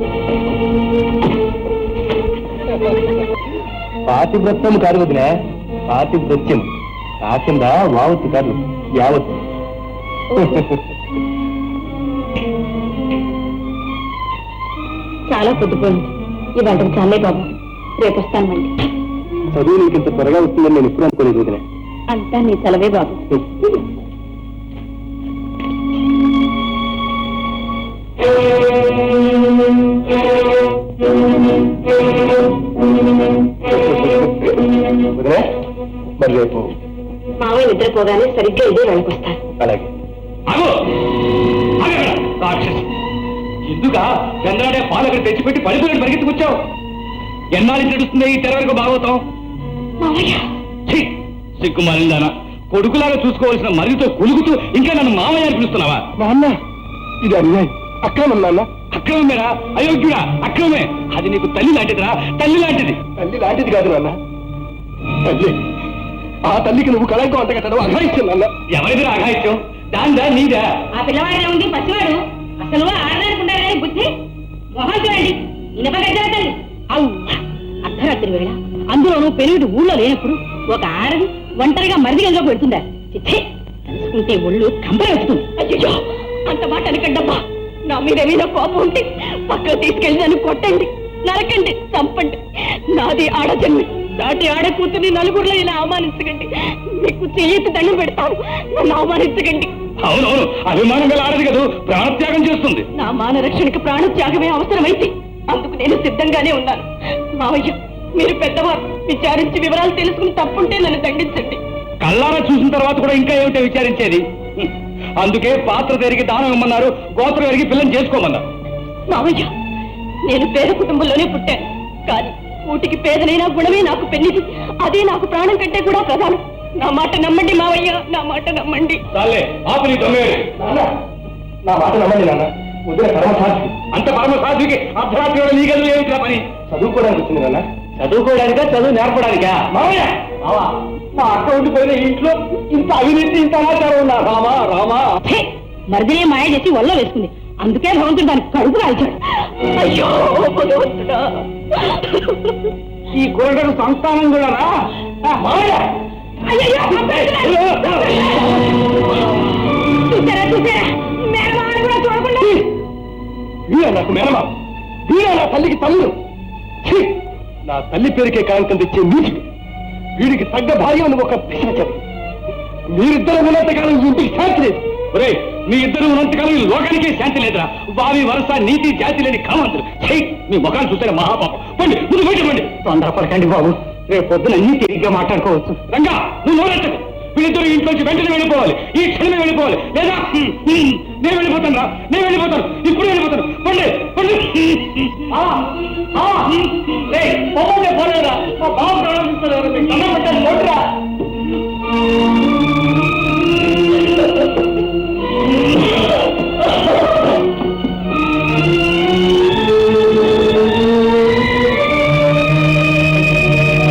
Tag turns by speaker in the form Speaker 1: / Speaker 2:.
Speaker 1: పాతివ్రత్యం కాదు వదిలే, పాతివ్రత్యం. కాకింద వావత్తు కాదు, యావత్తు.
Speaker 2: చాలా పొద్దుపోయింది. ఈ వంటకు చాలే బాబు, రేపు వస్తాను మళ్ళీ.
Speaker 1: చదువు నీకు ఇంత త్వరగా వస్తుందని నేను ఎప్పుడు అనుకోలేదు వదిలే.
Speaker 2: అంతా నీ సెలవే బాబు.
Speaker 1: వదిలే, మరి రేపు
Speaker 2: మావయ్య నిద్రపోగానే సరిగ్గా ఇదే వెళ్ళకొస్తాను.
Speaker 1: అలాగే.
Speaker 3: ఎందుగా చంద్రాడే పాలు అక్కడ తెచ్చిపెట్టి పడిపోయి పరిగెత్తుకొచ్చావు? ఎన్నాళ్ళు నడుస్తుంది ఈ తెరవరకు బాగోతాం? సిగ్గుమాలిందానా, కొడుకులాగా చూసుకోవాల్సిన మరిదితో కొలుగుతూ ఇంకా నన్ను మామయ్య అని పిలుస్తున్నావా?
Speaker 1: నాన్న, ఇది అన్యాయం, అక్రమం నాన్న.
Speaker 3: అక్రమమేరా, అయోగ్యుడా, అక్రమమే. అది నీకు తల్లి లాంటిదిరా, తల్లి లాంటిది.
Speaker 1: తల్లి లాంటిది కాదు నాన్న, తల్లి. ఆ తల్లికి నువ్వు కళంకం అంటగట్టడం అఘాయిత్యం నాన్న.
Speaker 3: ఎవరిదిరా అఘాయిత్యం? దాందా నీదా?
Speaker 2: ఆ పిల్లవాడిలో ఉంది పసివాడు. అసలు ఆడదానుకుంటారా బుద్ధి? మొహం చూడండి, ఇనపగడ్డలు. అర్ధరాత్రి వేళ, అందులోనూ పెరుగుడు ఊళ్ళో లేనప్పుడు ఒక ఆడది ఒంటరిగా మరిదిగంలో పెడుతుందా? తెలుసుకుంటే ఒళ్ళు కంపరెడుతుంది. అయ్యో, అంత మాట అనకండమ్మా. నా మీద కోపం ఉంటే పక్కకు తీసుకెళ్ళి నన్ను కొట్టండి, నరకండి, చంపండి. నాది ఆడజన్మి. దాటి ఆడ కూతుర్ని నలుగురిలో ఇలా అవమానించకండి. మీకు చెయ్యెత్తి దండం పెడతాను, నన్ను అవమానించకండి.
Speaker 3: అవునవును, అభిమానం గల ఆడది కదా, ప్రాణత్యాగం చేస్తుంది.
Speaker 2: నా మాన రక్షణకి ప్రాణత్యాగమే అవసరమైతే అందుకు నేను సిద్ధంగానే ఉన్నాను. మావయ్య, మీరు పెద్దవారు, విచారించి వివరాలు తెలుసుకుని తప్పుంటే నన్ను దండించండి.
Speaker 3: కళ్ళారా చూసిన తర్వాత కూడా ఇంకా ఏమిటో విచారించేది? అందుకే పాత్ర తిరిగి దానం ఇమ్మన్నారు, గోత్రం ఎరిగి పిల్లని చేసుకోమన్నారు.
Speaker 2: మావయ్య, నేను పేద కుటుంబంలోనే పుట్టాను, కానీ ఊటికి పేదనైనా గుణమే నాకు పెళ్లిది. అదే నాకు ప్రాణం కంటే కూడా ప్రధానం. నా మాట నమ్మండి మావయ్య, నా మాట నమ్మండి.
Speaker 3: చాలే, ఆపు నీ దొంగేడు.
Speaker 1: నా మాట నమ్మండి నాన్న. వదిలే పరమసాధ్వి.
Speaker 3: అంత పరమసాధ్వికి అర్ధరాత్రి నీ గదులు ఏమిటి పని?
Speaker 1: చదువుకోవడానికి వచ్చింది నాన్న.
Speaker 3: చదువుకోవడానికా, చదువు నేర్పడానికా? మావయ్య, మా అక్క ఉండిపోయిన ఇంట్లో ఇంత అవినీతి, ఇంత అనాచారం ఉన్నా? రామా రామా,
Speaker 2: మరిదినే మాయ చేసి వల్ల వేసుకుంది. అందుకే భగవంతుడు దానికి కడుపు కాల్చాడు. అయ్యో భగవంతుడా,
Speaker 3: ఈ కోరటకు సంస్థానం కూడా రా. మావయ్య,
Speaker 2: చూసారా చూసారా, మేనమామ కూడా చూడకుండా.
Speaker 1: వీరా నాకు మేనమా, వీరా నా తల్లికి తల్లు. నా తల్లి పేరుకే కాంతం తెచ్చే నీచుడు, వీడికి తగ్గ భార్య అని ఒక పిశాచం. మీరిద్దరు ఉన్నంతకాలం ఇంటికి శాంతి లేదు.
Speaker 3: ఒరే, మీ ఇద్దరు ఉన్నంతకాలం ఈ లోకానికే శాంతి లేదురా. వావి వరస నీతి జాతి లేని కామంతులు. మీ ముఖాలు చూస్తే మహాపాపం. పండి, ముందు బయట పండి.
Speaker 1: తొందరపడకండి బాబు, రేపు పొద్దున అన్ని తిరిగ్గా మాట్లాడుకోవచ్చు.
Speaker 3: రంగా, నువ్వు నోరెత్తకు. వీళ్ళిద్దరు ఇంట్లోంచి వెంటనే వెళ్ళిపోవాలి, ఈ క్షణమే వెళ్ళిపోవాలి. లేదా నేను వెళ్ళిపోతాను రా, నేను వెళ్ళిపోతాను, ఇప్పుడు వెళ్ళిపోతాను. పండి పండి. పోలేదా? మా బాబు ప్రారంభిస్తారు.